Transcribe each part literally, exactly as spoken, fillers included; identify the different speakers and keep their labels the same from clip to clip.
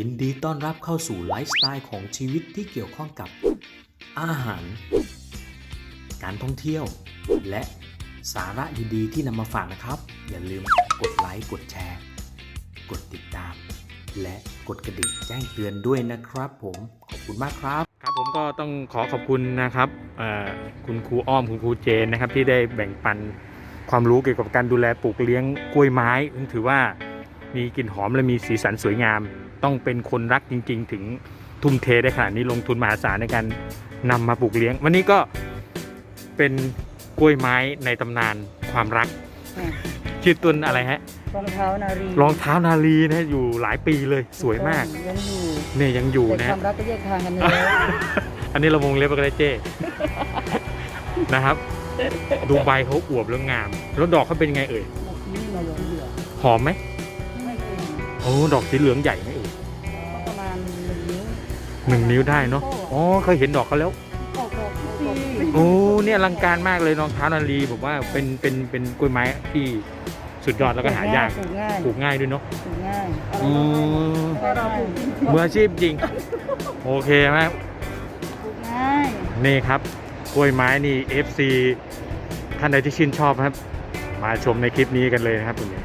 Speaker 1: ยินดีต้อนรับเข้าสู่ไลฟ์สไตล์ของชีวิตที่เกี่ยวข้องกับอาหารการท่องเที่ยวและสาระดีๆที่นำมาฝากนะครับอย่าลืมกดไลค์กดแชร์กดติดตามและกดกระดิ่งแจ้งเตือนด้วยนะครับผมขอบคุณมากครับครับผมก็ต้องขอขอบคุณนะครับคุณครูอ้อมคุณครูเจนนะครับที่ได้แบ่งปันความรู้เกี่ยวกับการดูแลปลูกเลี้ยงกล้วยไม้ซึ่งถือว่ามีกลิ่นหอมและมีสีสันสวยงามต้องเป็นคนรักจริงๆถึงทุ่มเทได้ขนาดนี้ลงทุนมหาศาลในการนำมาปลูกเลี้ยงวันนี้ก็เป็นกล้วยไม้ในตำนานความรักชื่อต้นอะไรฮะ
Speaker 2: รองเท้านารี
Speaker 1: รองเท้านารีนะอยู่หลายปีเลยสวยมาก
Speaker 2: ยังอยู่
Speaker 1: เนี่ยยังอยู่นะ
Speaker 2: ความรักก็แยกทางกันเลย
Speaker 1: อันนี้เราวงเล็บก็ได้เจ้นะครับดูใบเขาอวบแล้วงามแล้วดอกเขาเป็นยังไงเอ่ยหอมไหมโอ้ดอกสีเหลืองใหญ่ไหมเอ่ย
Speaker 2: ประมาณหนึ่งนิ้ว
Speaker 1: หนึ่งนิ้วได้เนาะอ๋อเคยเห็นดอกเขาแล้วโอ้เนี่ยอลังการมากเลยรองเท้านารีผมว่าเป็นเป็นเป็นกล้วยไม้ที่สุดยอดแล้วก็หายากปลูกง่ายด้วยเนาะ
Speaker 2: ปลูกง่าย
Speaker 1: อืมมืออาชีพจริงโอเคไหม
Speaker 2: ปลูกง่าย
Speaker 1: นี่ครับกล้วยไม้นี่ เอฟ ซี ท่านใดที่ชื่นชอบครับมาชมในคลิปนี้กันเลยนะครับคุณ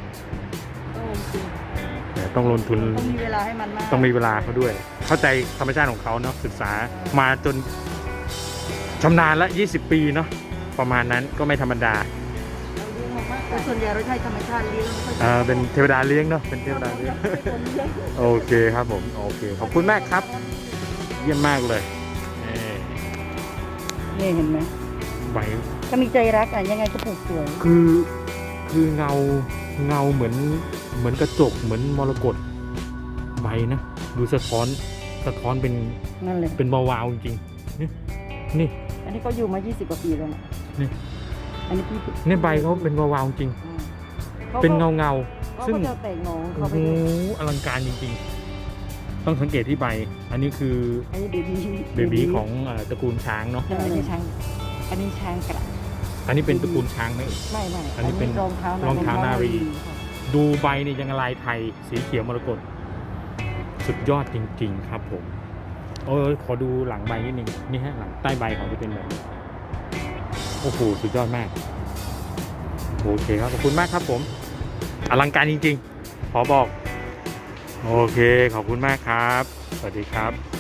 Speaker 1: ต้องลงทุน
Speaker 2: ต้องมีเวลาให้มันมาก
Speaker 1: ต้องมีเวลาเขาด้วยเข้าใจธรรมชาติของเขาเนาะศึกษามาจนชำนาญละยี่สิบปีเนาะประมาณนั้นก็ไม่ธรรมดา
Speaker 2: ส่วนใหญ่เราใช้ธรรมชาติเลี้ยง
Speaker 1: อ่าเป็นเทวดาเลี้ยงเนาะเป็นเทวดาเลี้ยงโอเคครับผมโอเคขอบคุณมากครับเยี่ยมมากเลย
Speaker 2: นี่เห็นไหม
Speaker 1: ใบ
Speaker 2: ถ้ามีใจรักอ่ะยังไงก็ปลูกสวย
Speaker 1: คือคือเงาเงาเหมือนเหมือนกระจกเหมือนมรกตใบนะดูสะท้อนสะท้อนเป็น
Speaker 2: นั่นเลย
Speaker 1: เป็นวาวๆจริงๆนี่นี่
Speaker 2: อันนี้ก็อยู่มายี่สิบกว่าปีแล้วนะ
Speaker 1: นี่
Speaker 2: อันนี้พี่
Speaker 1: นี่ใบเขาเป็นวาวๆจริงเป็นเงาเงา
Speaker 2: ซึ่งจะแตกงอ
Speaker 1: โอ้โหอลังการจริงๆต้องสังเกตที่ใบอันนี้คือ
Speaker 2: อันนี้เบบี้
Speaker 1: เบบี้ของตระกูลช้างเนาะ
Speaker 2: อันนี้ช้างอันนี้ช้างกระ
Speaker 1: อันนี้เป็นตระกูลช้างไหม
Speaker 2: ไม่ไม่
Speaker 1: อันนี้เป็น
Speaker 2: รองเท้าร
Speaker 1: องเท้านารีดูใบนี่ยังลายไทยสีเขียวมรกตสุดยอดจริงๆครับผมโอ้ยขอดูหลังใบนิดนึงนี่ฮะหลังใต้ใบของจะเป็นแบบนี้โอ้โหสุดยอดมากโอเคครับขอบคุณมากครับผมอลังการจริงๆขอบอกโอเคขอบคุณมากครับสวัสดีครับ